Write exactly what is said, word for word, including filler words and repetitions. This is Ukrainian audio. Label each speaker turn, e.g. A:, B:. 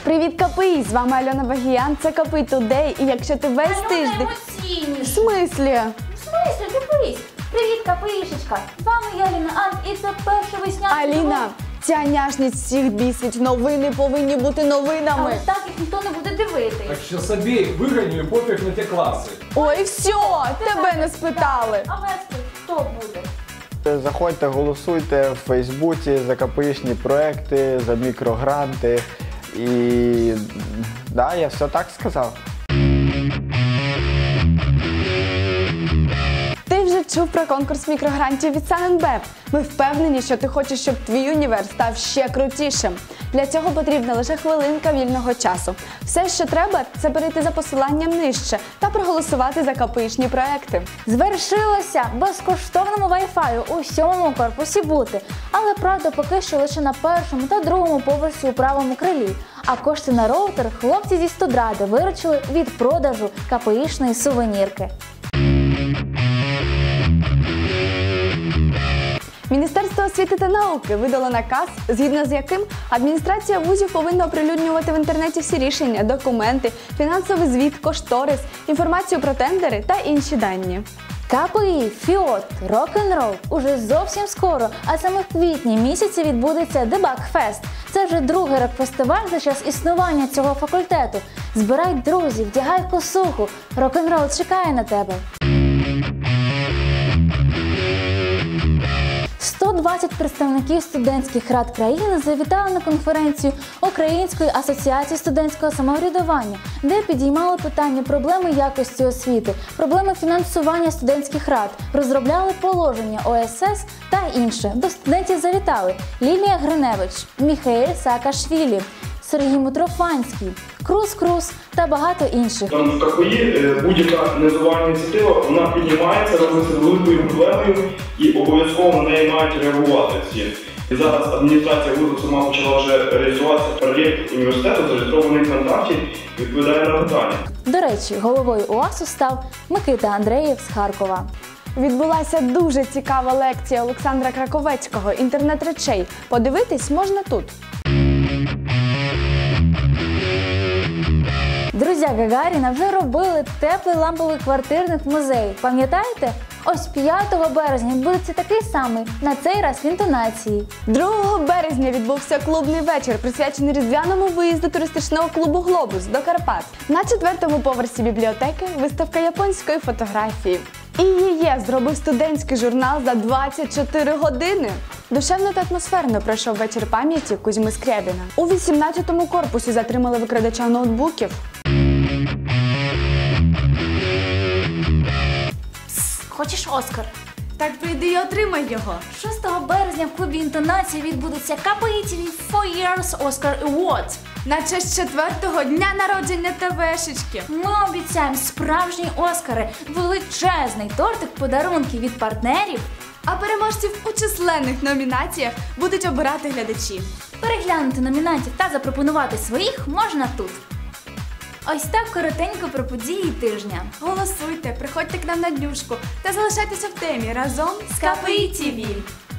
A: Привіт, КПІ! З вами Альона Багіян, це КПІ Тудей. І якщо ти весь
B: Альона
A: тиждень...
B: емоційніша.
A: В смислі?
B: В смислі, дивись. Привіт, КПІшечка. З вами я, Аліна Ант, і це перша весняна...
A: Аліна, ця няшність всіх бісить. Новини повинні бути новинами.
B: Але так їх ніхто не буде дивитись.
C: Так що собі вигоню і пофіг на ті класи.
A: Ой, все, тебе не спитали.
B: А вести хто буде?
D: Заходьте, голосуйте в Фейсбуці за КПІшні проекти, за мікрогранти. І да, я все так сказав.
A: Ти вже чув про конкурс мікрогрантів від Саненбеп. Ми впевнені, що ти хочеш, щоб твій універ став ще крутішим. Для цього потрібна лише хвилинка вільного часу. Все, що треба, це перейти за посиланням нижче та проголосувати за КПІшні проекти.
B: Звершилося безкоштовному вай-фаю у сьомому корпусі бути. Але, правда, поки що лише на першому та другому поверсі у правому крилі. А кошти на роутер хлопці зі студради виручили від продажу КПІшної сувенірки.
A: Міністерство освіти та науки видало наказ, згідно з яким адміністрація вузів повинна оприлюднювати в інтернеті всі рішення, документи, фінансовий звіт, кошторис, інформацію про тендери та інші дані.
B: КПІ, ФІОТ, рок-н-рол уже зовсім скоро, а саме в квітні місяці відбудеться Дебаг-фест. Це вже другий рок-фестиваль за час існування цього факультету. Збирай друзів, вдягай косуху, рок-н-рол чекає на тебе. сто двадцять представників студентських рад країни завітали на конференцію Української асоціації студентського самоврядування, де підіймали питання проблеми якості освіти, проблеми фінансування студентських рад, розробляли положення О С С та інше. До студентів завітали Лілія Гриневич, Міхаель Саакашвілі, Сергій Митрофанський, Круз Круз та багато інших.
E: Там в КПІ будь-яка незувальна ініціатива, вона піднімається, робиться великою проблемою і обов'язково на неї мають реагувати всі. І зараз адміністрація вузу сама почала вже реалізуватися проєкт університету, зареєстрований в контакті, відповідає на питання.
B: До речі, головою УАСу став Микита Андреєв з Харкова.
A: Відбулася дуже цікава лекція Олександра Краковецького «Інтернет речей». Подивитись можна тут.
B: Друзі Гагаріна вже робили теплий ламповий квартирник в музеї. Пам'ятаєте? Ось п'ятого березня відбудеться такий самий, на цей раз в інтонації.
A: другого березня відбувся клубний вечір, присвячений різдвяному виїзду туристичного клубу «Глобус» до Карпат. На четвертому поверсі бібліотеки виставка японської фотографії. І ЄЄ зробив студентський журнал за двадцять чотири години. Душевно та атмосферно пройшов вечір пам'яті Кузьми Скрябіна. У вісімнадцятому корпусі затримали викрадача ноутбуків.
B: Хочеш Оскар?
A: Так прийди і отримай його.
B: шостого березня в клубі інтонації відбудеться КПІ Ті Ві four years Oscar Awards.
A: На честь четвертого дня народження ТВшечки.
B: Ми обіцяємо справжні Оскари, величезний тортик подарунків від партнерів.
A: А переможців у численних номінаціях будуть обирати глядачі.
B: Переглянути номінантів та запропонувати своїх можна тут. Ось так коротенько про події тижня.
A: Голосуйте, приходьте к нам на днюшку та залишайтеся в темі разом з КПІ Ті Ві.